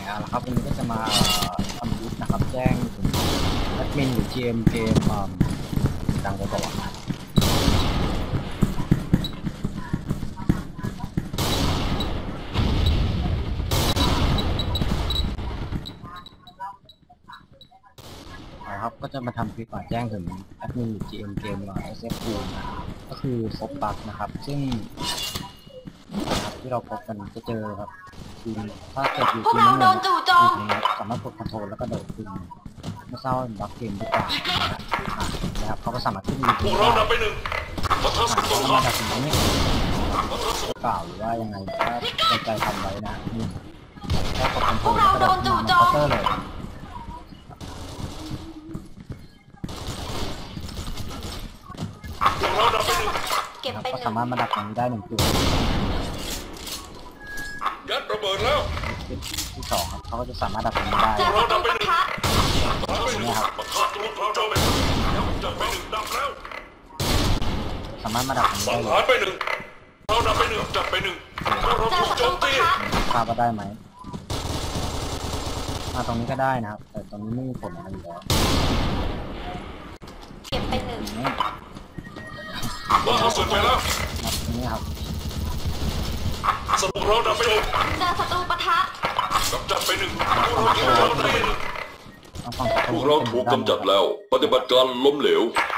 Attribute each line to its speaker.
Speaker 1: เอาละครับวันนี้ก็จะมาทำคลิปนะครับแจ้งถึงแอดมินหรือ GM เกมดังกว่าบอกนะครับก็จะมาทำคลิปแจ้งถึงแอดมินหรือ GM เกมSF ก็คือพบบั๊กนะครับซึ่งที่เราพบกันจะเจอครับทีมถ้าเกิดอยู่ทีมนั้นสามารถกดคอนโทรลแล้วก็โดดขึ้นไม่ทราบบั๊กเกมหรือเปล่านะครับเขาก็สามารถขึ้นได้พวกเราดับไปหนึ่งมาดับถึงนี้เปล่าหรือว่ายังไงถ้าใจทำไว้นะนี่แค่กดคอนโทรลแล้วก็โดดขึ้นมาเคาน์เตอร์เลยก็สามารถมาดับตรงนี้ได้หนึ่งตัว
Speaker 2: ยัดระเบิดแล้ว
Speaker 1: ที่สองครับเขาก็จะสามารถดับตรงนี้ได้นี่ครับสามารถมาดับตรงนี้ได้เลย
Speaker 2: ไปหนึ่งเราดับไปหนึ่งจับไปหนึ่งเราถูกโจมตี
Speaker 1: ทราบว่าได้ไหมมาตรงนี้ก็ได้นะครับแต่ตรงนี้ไม่มีผลอะไรอยู่แล้ว
Speaker 3: เก็บไปหนึ่ง
Speaker 2: เราเข้าสุดไปแล้ว
Speaker 1: ตรงนี้ครับ
Speaker 2: ศัตรูเราดับไปหนึ่ง
Speaker 3: เจอศัตรูปะทะ
Speaker 2: กำจัดไปหนึ่งพวกเราถูกกำจัดแล้วปฏิบัติการล้มเหลว